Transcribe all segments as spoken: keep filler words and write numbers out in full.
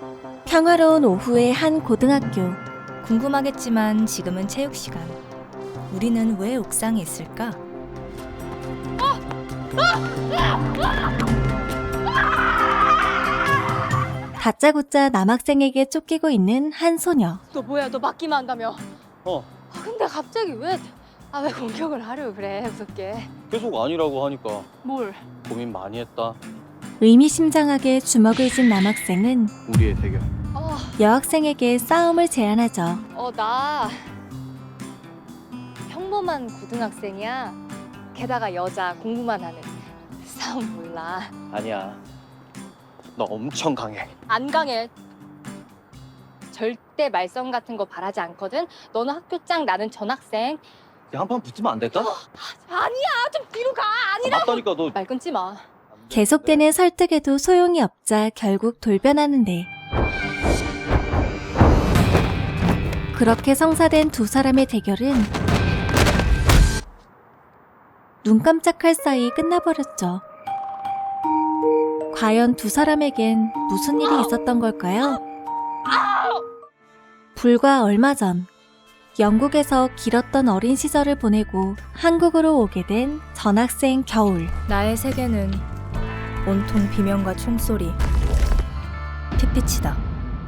평화로운 오후의 한 고등학교. 궁금하겠지만 지금은 체육 시간. 우리는 왜 옥상에 있을까? 다짜고짜 남학생에게 쫓기고 있는 한 소녀. 너 뭐야? 너 맞기만 한다며? 어, 아, 근데 갑자기 왜? 아, 왜 공격을 하려고 그래? 무섭게. 계속 아니라고 하니까 뭘? 고민 많이 했다. 의미심장하게 주먹을 쥔 남학생은 우리의 대결. 어, 여학생에게 싸움을 제안하죠. 어, 나 평범한 고등학생이야. 게다가 여자 공부만 하는. 싸움 몰라. 아니야. 너 엄청 강해. 안 강해. 절대 말썽 같은 거 바라지 않거든. 너는 학교장, 나는 전학생. 한판 붙으면 안 될까? 아니야, 좀 뒤로 가. 아니라. 맞다니까 너. 말 끊지 마. 계속되는 설득에도 소용이 없자 결국 돌변하는데, 그렇게 성사된 두 사람의 대결은 눈 깜짝할 사이 끝나버렸죠. 과연 두 사람에겐 무슨 일이 있었던 걸까요? 불과 얼마 전 영국에서 길었던 어린 시절을 보내고 한국으로 오게 된 전학생 겨울. 나의 세계는 온통 비명과 총소리, 핏빛이다.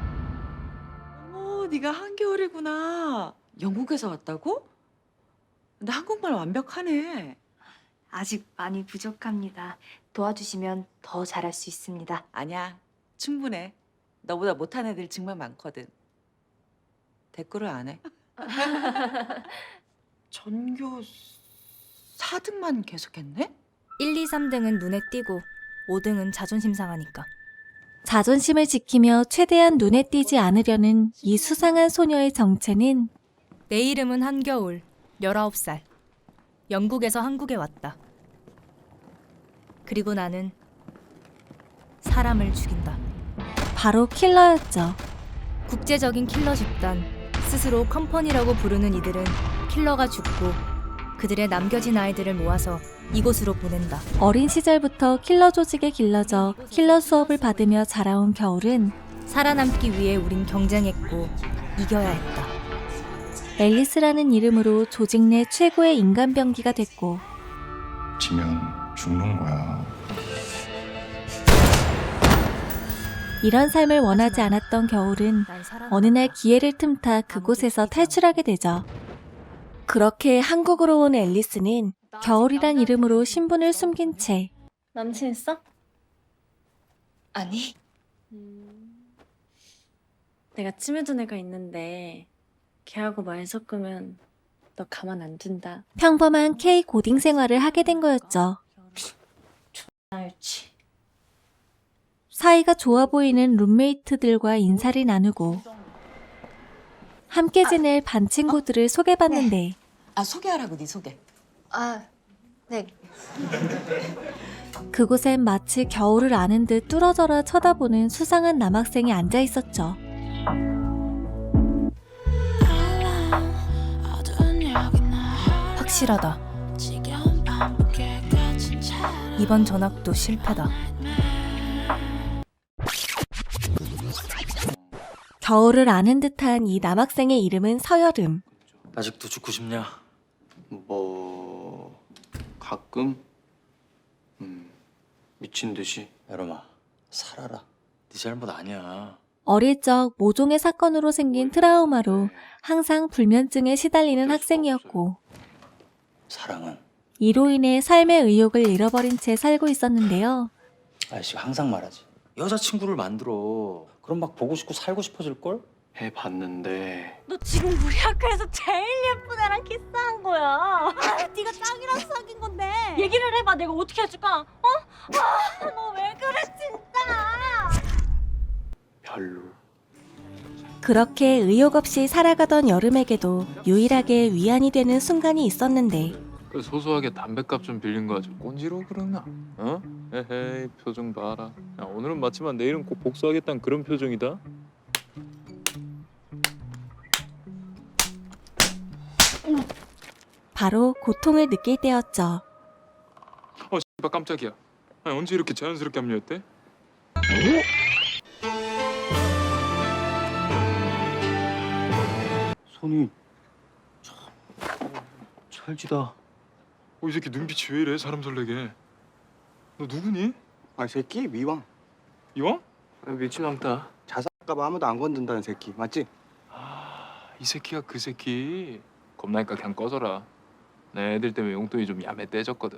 어, 네가 한겨울이구나. 영국에서 왔다고? 근데 한국말 완벽하네. 아직 많이 부족합니다. 도와주시면 더 잘할 수 있습니다. 아니야, 충분해. 너보다 못한 애들 정말 많거든. 댓글을 안 해. 전교 사 등만 계속했네? 일, 이, 삼 등은 눈에 띄고 오 등은 자존심 상하니까. 자존심을 지키며 최대한 눈에 띄지 않으려는 이 수상한 소녀의 정체는 내 이름은 한겨울, 열아홉 살. 영국에서 한국에 왔다. 그리고 나는 사람을 죽인다. 바로 킬러였죠. 국제적인 킬러 집단, 스스로 컴퍼니라고 부르는 이들은 킬러가 죽고 그들의 남겨진 아이들을 모아서 이곳으로 보낸다. 어린 시절부터 킬러 조직에 길러져 킬러 수업을 받으며 자라온 겨울은 살아남기 위해 우린 경쟁했고 이겨야 했다. 앨리스라는 이름으로 조직 내 최고의 인간병기가 됐고, 지면 죽는 거야. 이런 삶을 원하지 않았던 겨울은 난 살아남았다. 어느 날 기회를 틈타 그곳에서 탈출하게 되죠. 그렇게 한국으로 온 앨리스는 겨울이란 이름으로 신분을 숨긴 채 남친 있어? 아니. 내가 찜해둔 애가 있는데 걔하고 말 섞으면 너 가만 안 둔다. 평범한 K 고딩 생활을 하게 된 거였죠. 알지. 사이가 좋아 보이는 룸메이트들과 인사를 나누고 함께 지낼 반 친구들을 소개받는데, 아, 소개하라고, 네 소개. 아, 네. 그곳엔 마치 겨울을 아는 듯 뚫어져라 쳐다보는 수상한 남학생이 앉아 있었죠. 확실하다. 이번 전학도 실패다. 겨울을 아는 듯한 이 남학생의 이름은 서여름. 아직도 죽고 싶냐? 뭐 가끔 음 미친 듯이. 여름아, 살아라. 네 잘못 아니야. 어릴 적 모종의 사건으로 생긴 트라우마로 항상 불면증에 시달리는 학생이었고, 사랑은 이로 인해 삶의 의욕을 잃어버린 채 살고 있었는데요. 아저씨가 항상 말하지. 여자친구를 만들어. 그럼 막 보고 싶고 살고 싶어질걸? 해봤는데 너 지금 우리 학교에서 제일 예쁜 애랑 키스한 거야. 네가 짱이랑 사귄 건데. 얘기를 해봐. 내가 어떻게 해줄까? 어? 아, 너 왜 그래 진짜. 별로. 그렇게 의욕 없이 살아가던 여름에게도 유일하게 위안이 되는 순간이 있었는데, 그 소소하게 담뱃값 좀 빌린 거 가지고 꼰지로 그러나? 어? 에헤이 표정 봐라. 야, 오늘은 맞지만 내일은 꼭 복수하겠다는 그런 표정이다. 바로 고통을 느낄 때였죠. 어 씨발 깜짝이야. 아니, 언제 이렇게 자연스럽게 합류했대? 설지다. 어, 이 새끼 눈빛이 왜 이래? 사람 설레게. 너 누구니? 아, 이 새끼 미왕. 이왕? 미친 왕따. 자살까봐 아무도 안 건든다는 새끼 맞지? 아, 이 새끼가 그 새끼. 겁나니까 그냥 꺼져라. 내 애들 때문에 용돈이 좀 야매 떼졌거든.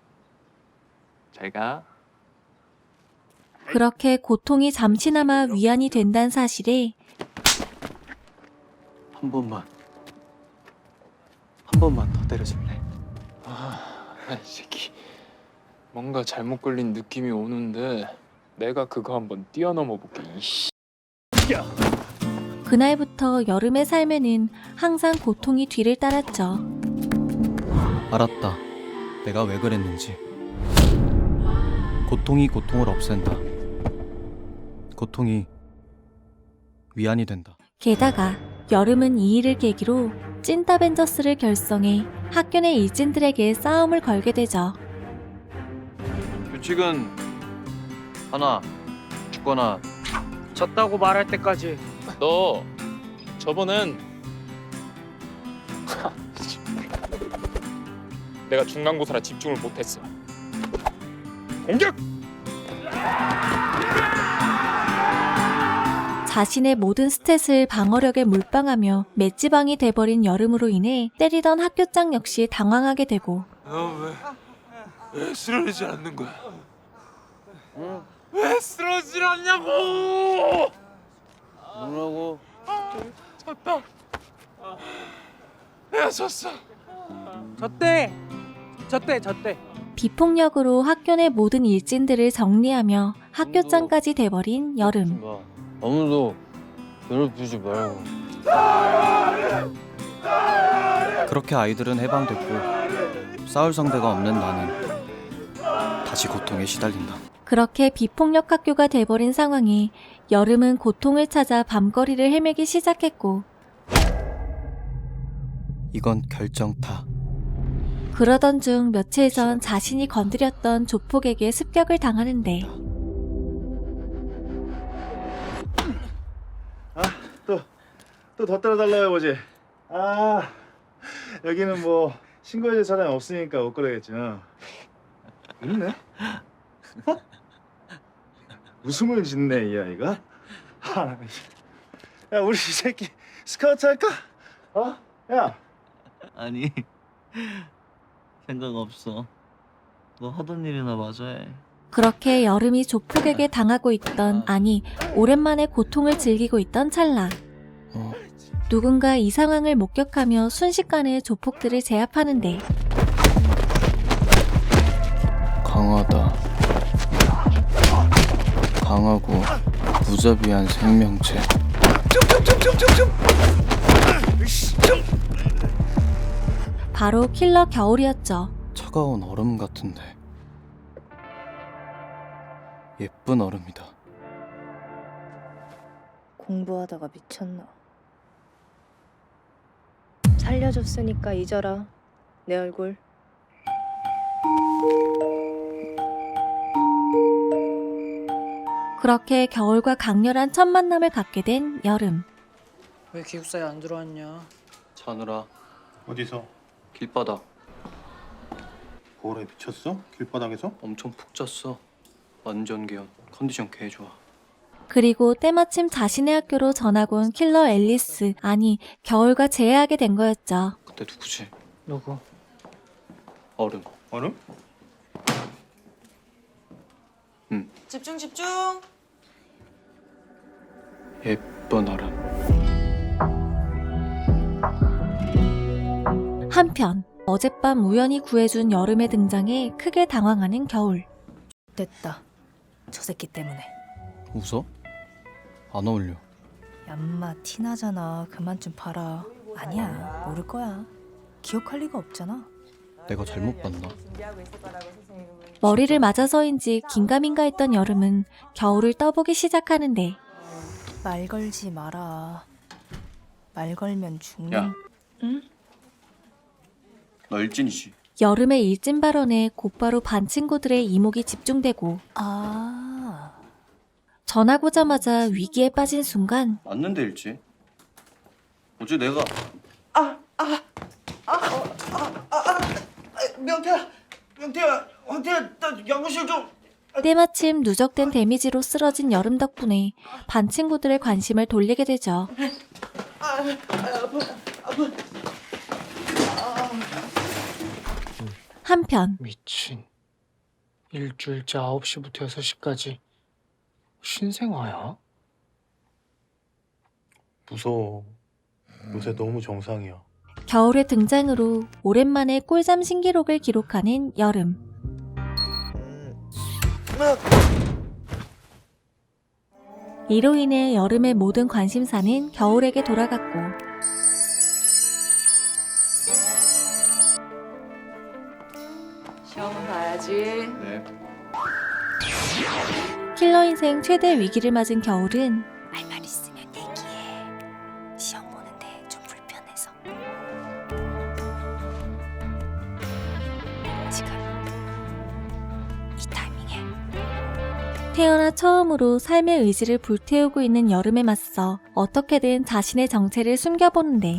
잘 가. 그렇게 고통이 잠시나마 위안이 된다는 사실에 한 번만. 한 번만 더 때려줄래? 아, 이 새끼. 뭔가 잘못 걸린 느낌이 오는데 내가 그거 한번 뛰어넘어 볼게. 이씨. 그날부터 여름의 삶에는 항상 고통이 뒤를 따랐죠. 알았다. 내가 왜 그랬는지. 고통이 고통을 없앤다. 고통이 위안이 된다. 게다가 여름은 이 일을 계기로 찐따벤져스를 결성해 학교 내 일진들에게 싸움을 걸게 되죠. 규칙은 하나, 죽거나 졌다고 말할 때까지. 너 저번엔 내가 중간고사라 집중을 못했어. 공격! 자신의 모든 스탯을 방어력에 몰빵하며 맷지방이 돼버린 여름으로 인해 때리던 학교장 역시 당황하게 되고 너 왜 왜 쓰러지지 않는 거야? 왜 쓰러지지 않냐고! 뭐라고? 졌다. 내가 졌어. 졌대. 졌대. 졌대. 비폭력으로 학교 내 모든 일진들을 정리하며 학교장까지 돼버린 여름. 아무도 괴롭히지 말고. 그렇게 아이들은 해방됐고 싸울 상대가 없는 나는 다시 고통에 시달린다. 그렇게 비폭력 학교가 돼버린 상황에 여름은 고통을 찾아 밤거리를 헤매기 시작했고 이건 결정타. 그러던 중 며칠 전 자신이 건드렸던 조폭에게 습격을 당하는데 또 더 때려달라고 해보지. 아, 여기는 뭐 신고해줄 사람이 없으니까 못 그러겠지. 어. 있네? 어? 웃음을 짓네 이 아이가. 아, 야, 우리 이 새끼 스카우트 할까? 어? 야. 아니 생각 없어. 너 하던 일이나 마저 해. 그렇게 여름이 조폭에게 당하고 있던, 아니 오랜만에 고통을 즐기고 있던 찰나 어. 누군가 이 상황을 목격하며 순식간에 조폭들을 제압하는데 강하다. 강하고 무자비한 생명체. 바로 킬러 겨울이었죠. 차가운 얼음 같은데 예쁜 얼음이다. 공부하다가 미쳤나. 살려줬으니까 잊어라. 내 얼굴. 그렇게 겨울과 강렬한 첫 만남을 갖게 된 여름. 왜 기숙사에 안 들어왔냐? 자느라 어디서? 길바닥 볼에 미쳤어? 길바닥에서? 엄청 푹 잤어. 완전 개운. 컨디션 개 좋아. 그리고 때마침 자신의 학교로 전학 온 킬러 앨리스, 아니 겨울과 재회하게 된 거였죠. 그때 누구지? 누구? 얼음. 얼음? 응. 집중 집중. 예쁜 얼음. 한편 어젯밤 우연히 구해준 여름의 등장에 크게 당황하는 겨울. 됐다. 저 새끼 때문에. 웃어? 안 어울려. 얌마 티나잖아. 그만 좀 봐라. 아니야. 모를 거야. 기억할 리가 없잖아. 내가 잘못 봤나? 머리를 맞아서인지 긴가민가 했던 여름은 겨울을 떠보기 시작하는데 말 걸지 마라. 말 걸면 죽는. 야. 응? 너 일진이지? 여름의 일진 발언에 곧바로 반 친구들의 이목이 집중되고 아. 전학 오자마자 위기에 빠진 순간 맞는데 일진. 어제 내가 아 아. 명태야, 명태야, 황태야, 나 연구실 좀. 때마침 누적된 데미지로 쓰러진 여름 덕분에 반 친구들의 관심을 돌리게 되죠. 아, 아, 아파, 아파. 한편 미친. 일주일째 아홉 시부터 여섯 시까지 신생아야? 무서워. 요새 너무 정상이야. 겨울의 등장으로 오랜만에 꿀잠 신기록을 기록하는 여름. 이로 인해 여름의 모든 관심사는 겨울에게 돌아갔고 시험은 봐야지. 네. 킬러 인생 최대 위기를 맞은 겨울은 할 말 있으면 얘기해. 시험 보는데 좀 불편해서. 지금 이 타이밍에 태어나 처음으로 삶의 의지를 불태우고 있는 여름에 맞서 어떻게든 자신의 정체를 숨겨보는데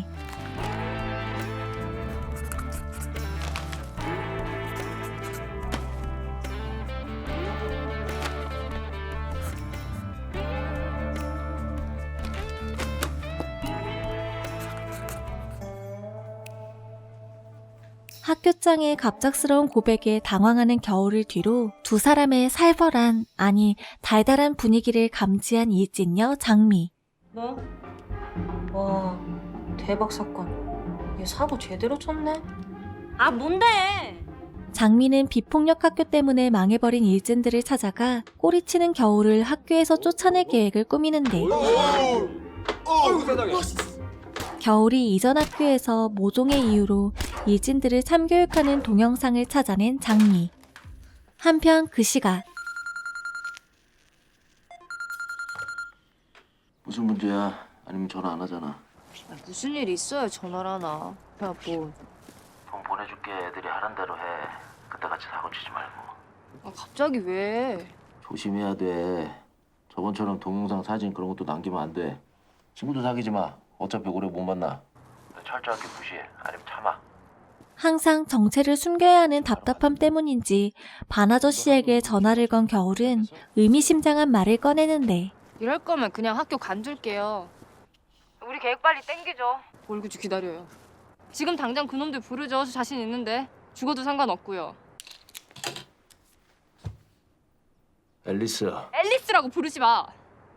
학교장의 갑작스러운 고백에 당황하는 겨울을 뒤로 두 사람의 살벌한, 아니 달달한 분위기를 감지한 이진녀 장미. 뭐? 와, 대박 사건. 얘 사고 제대로 쳤네. 아 뭔데? 장미는 비폭력 학교 때문에 망해버린 일진들을 찾아가 꼬리치는 겨울을 학교에서 쫓아낼 계획을 꾸미는데 겨울이 이전 학교에서 모종의 이유로 일진들을 참교육하는 동영상을 찾아낸 장미. 한편 그 시각 무슨 문제야? 아니면 전화 안 하잖아. 무슨 일 있어야 전화를 하나. 야, 뭐. 돈 보내줄게. 애들이 하란 대로 해. 그때 같이 사고 치지 말고. 아, 갑자기 왜? 조심해야 돼. 저번처럼 동영상 사진 그런 것도 남기면 안 돼. 친구도 사귀지 마. 어차피 오래 못 만나. 철저하게 무시해. 아니면 참아. 항상 정체를 숨겨야 하는 답답함 때문인지 반 아저씨에게 전화를 건 겨울은 의미심장한 말을 꺼내는데 이럴 거면 그냥 학교 간둘게요. 우리 계획 빨리 땡기죠. 뭘 굳이 기다려요. 지금 당장 그놈들 부르죠. 저 자신 있는데. 죽어도 상관없고요. 앨리스. 앨리스라고 부르지 마.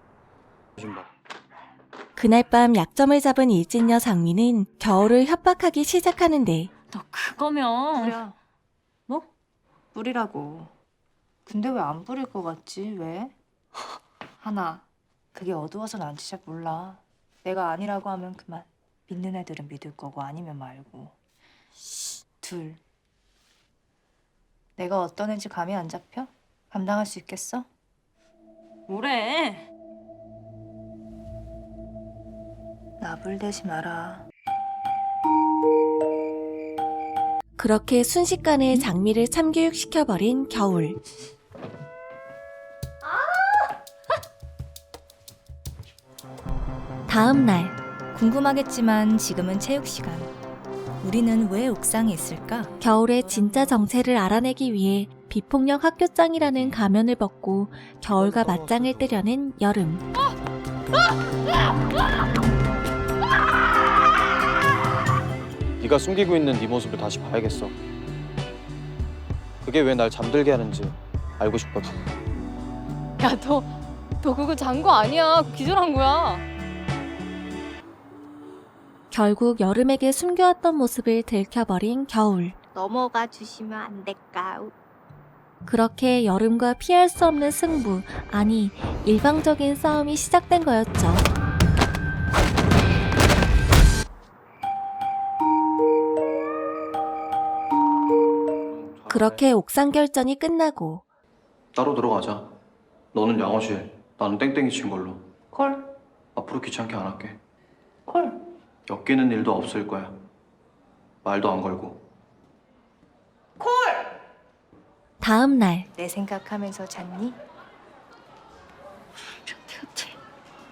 그날 밤 약점을 잡은 일진녀 장미는 겨울을 협박하기 시작하는데 너 그거면 부려. 뭐? 부리라고. 근데 왜 안 부릴 것 같지? 왜? 하나, 그게 어두워서 난지 잘 몰라. 내가 아니라고 하면 그만. 믿는 애들은 믿을 거고 아니면 말고. 둘, 내가 어떤 애인지 감이 안 잡혀? 감당할 수 있겠어? 뭐래? 나불대지 마라. 그렇게 순식간에 장미를 참교육시켜버린 겨울. 다음 날 궁금하겠지만 지금은 체육 시간. 우리는 왜 옥상에 있을까? 겨울의 진짜 정체를 알아내기 위해 비폭력 학교장이라는 가면을 벗고 겨울과 맞짱을 뜨려는 여름. 네가 숨기고 있는 네 모습을 다시 봐야겠어. 그게 왜 날 잠들게 하는지 알고 싶거든. 야, 너, 너 그거 잔 거 아니야. 기절한 거야. 결국 여름에게 숨겨왔던 모습을 들켜버린 겨울. 넘어가 주시면 안 될까? 그렇게 여름과 피할 수 없는 승부, 아니 일방적인 싸움이 시작된 거였죠. 그렇게 옥상 결전이 끝나고 따로 들어가자. 너는 양호실, 나는 땡땡이 친 걸로. 콜, 앞으로 귀찮게 안 할게. 콜. 엮이는 일도 없을 거야. 말도 안 걸고. 다음 날 내 생각하면서 잤니?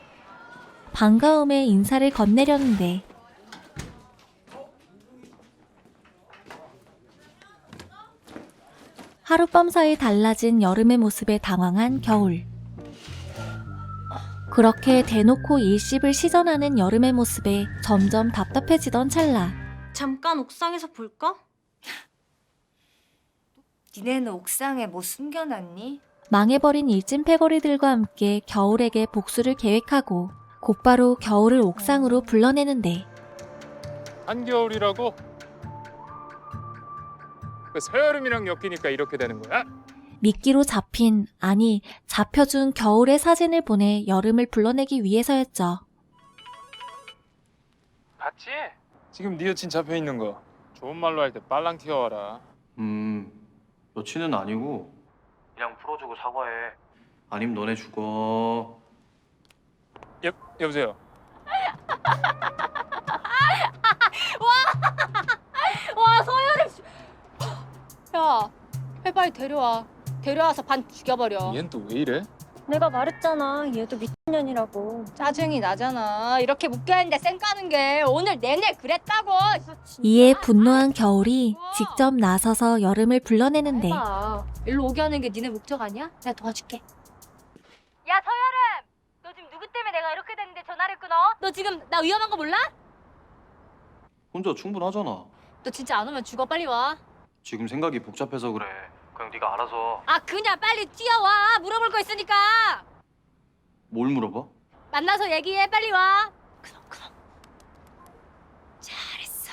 반가움에 인사를 건네려는데 하룻밤 사이 달라진 여름의 모습에 당황한 겨울. 그렇게 대놓고 일십을 시전하는 여름의 모습에 점점 답답해지던 찰나. 잠깐 옥상에서 볼까? 니네는 옥상에 뭐 숨겨놨니? 망해버린 일진 패거리들과 함께 겨울에게 복수를 계획하고 곧바로 겨울을 옥상으로 불러내는데 한겨울이라고? 그 서여름이랑 엮이니까 이렇게 되는 거야? 미끼로 잡힌, 아니 잡혀준 겨울의 사진을 보내 여름을 불러내기 위해서였죠. 봤지? 지금 네 여친 잡혀 있는 거. 좋은 말로 할 때 빨랑 튀어와라. 음, 여친은 아니고 그냥 풀어주고 사과해. 아님 너네 죽어. 여 여보세요. 와 서열이 야 빨리 데려와 데려와서 반 죽여버려. 얘는 또 왜 이래? 내가 말했잖아 얘도 미친년이라고. 짜증이 나잖아. 이렇게 묶여있는데 쌩 까는 게 오늘 내내 그랬다고. 이에 분노한 겨울이 직접 나서서 여름을 불러내는데 해봐. 일로 오게 하는 게 니네 목적 아니야? 내가 도와줄게. 야 서여름! 너 지금 누구 때문에 내가 이렇게 됐는데 전화를 끊어? 너 지금 나 위험한 거 몰라? 혼자 충분하잖아. 너 진짜 안 오면 죽어. 빨리 와. 지금 생각이 복잡해서 그래. 그냥 네가 알아서. 아 그냥 빨리 뛰어와. 물어볼 거 있으니까. 뭘 물어봐? 만나서 얘기해. 빨리 와. 그럼 그럼. 잘했어.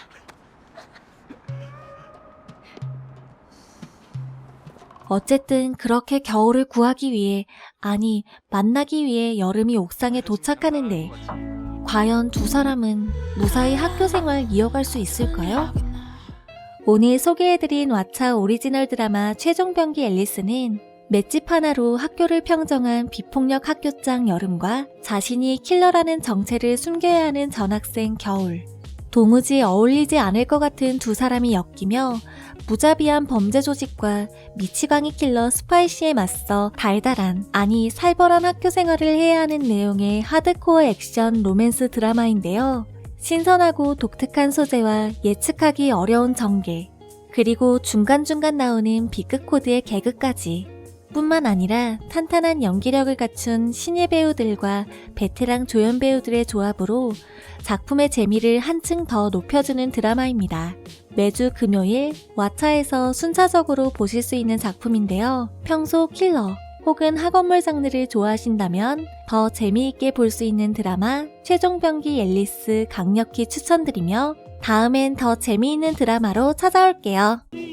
어쨌든 그렇게 겨울을 구하기 위해, 아니 만나기 위해 여름이 옥상에 도착하는데 과연 두 사람은 무사히 학교 생활 이어갈 수 있을까요? 오늘 소개해드린 왓챠 오리지널 드라마 최종병기 앨리스는 맷집 하나로 학교를 평정한 비폭력 학교장 여름과 자신이 킬러라는 정체를 숨겨야 하는 전학생 겨울, 도무지 어울리지 않을 것 같은 두 사람이 엮이며 무자비한 범죄 조직과 미치광이 킬러 스파이시에 맞서 달달한, 아니 살벌한 학교 생활을 해야 하는 내용의 하드코어 액션 로맨스 드라마인데요. 신선하고 독특한 소재와 예측하기 어려운 전개, 그리고 중간중간 나오는 B급 코드의 개그까지 뿐만 아니라 탄탄한 연기력을 갖춘 신예 배우들과 베테랑 조연 배우들의 조합으로 작품의 재미를 한층 더 높여주는 드라마입니다. 매주 금요일 왓챠에서 순차적으로 보실 수 있는 작품인데요. 평소 킬러 혹은 학원물 장르를 좋아하신다면 더 재미있게 볼 수 있는 드라마 최종병기 앨리스 강력히 추천드리며 다음엔 더 재미있는 드라마로 찾아올게요.